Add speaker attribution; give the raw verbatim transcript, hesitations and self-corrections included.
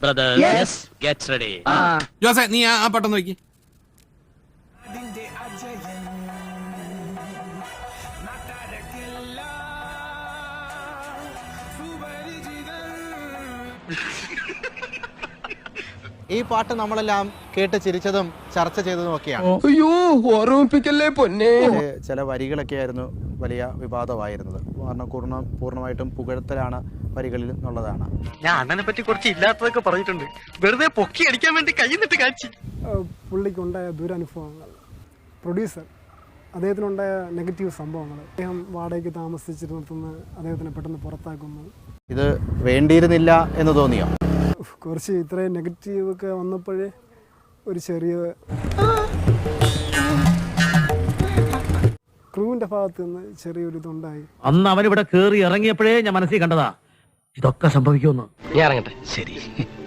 Speaker 1: Brothers, yes. Get ready.
Speaker 2: ജോസേ നീ ആ പാട്ടം നോക്കി.
Speaker 3: ഈ പാട്ട് നമ്മളെല്ലാം കേട്ട് ചിരിച്ചതും ചർച്ച ചെയ്തതും ഒക്കെയാണ്.
Speaker 4: അയ്യോ ഓർമ്മിപ്പിക്കല്ലേ പൊന്നെ.
Speaker 3: ചില വരികളൊക്കെ ആയിരുന്നു വലിയ വിവാദമായിരുന്നത്. കാരണം പൂർണ്ണ പൂർണ്ണമായിട്ടും പുകഴ്ത്തലാണ് വരികളിൽ എന്നുള്ളതാണ്.
Speaker 5: ഞാൻ അണ്ണനെ പറ്റി കുറച്ച് ഇല്ലാത്തതൊക്കെ പറഞ്ഞിട്ടുണ്ട്. വെറുതെ പൊക്കി അടിക്കാൻ വേണ്ടി കൈന്നിട്ട് കാച്ചി.
Speaker 6: പുള്ളിക്കുണ്ടായ ദുരനുഭവങ്ങൾ, പ്രൊഡ്യൂസർ അദ്ദേഹത്തിനുണ്ടായ നെഗറ്റീവ് സംഭവങ്ങൾ, അദ്ദേഹം വാടകയ്ക്ക് താമസിച്ചിരുന്നിടത്തുനിന്ന് അദ്ദേഹത്തിനെ പെട്ടെന്ന് പുറത്താക്കുന്നു.
Speaker 3: ഇത് വേണ്ടിയിരുന്നില്ല എന്ന് തോന്നിയോ?
Speaker 6: കുറച്ച് ഇത്രയും നെഗറ്റീവ് ഒക്കെ വന്നപ്പോഴേ ഒരു ചെറിയ ക്രൂവിന്റെ ഭാഗത്ത് നിന്ന് ചെറിയൊരു ഇതുണ്ടായി.
Speaker 1: അന്ന് അവൻ ഇവിടെ കേറി ഇറങ്ങിയപ്പോഴേ ഞാൻ മനസ്സിൽ കണ്ടതാ ഇതൊക്കെ സംഭവിക്കുമെന്ന്.
Speaker 5: ഞാൻ ഇറങ്ങട്ടെ. ശരി.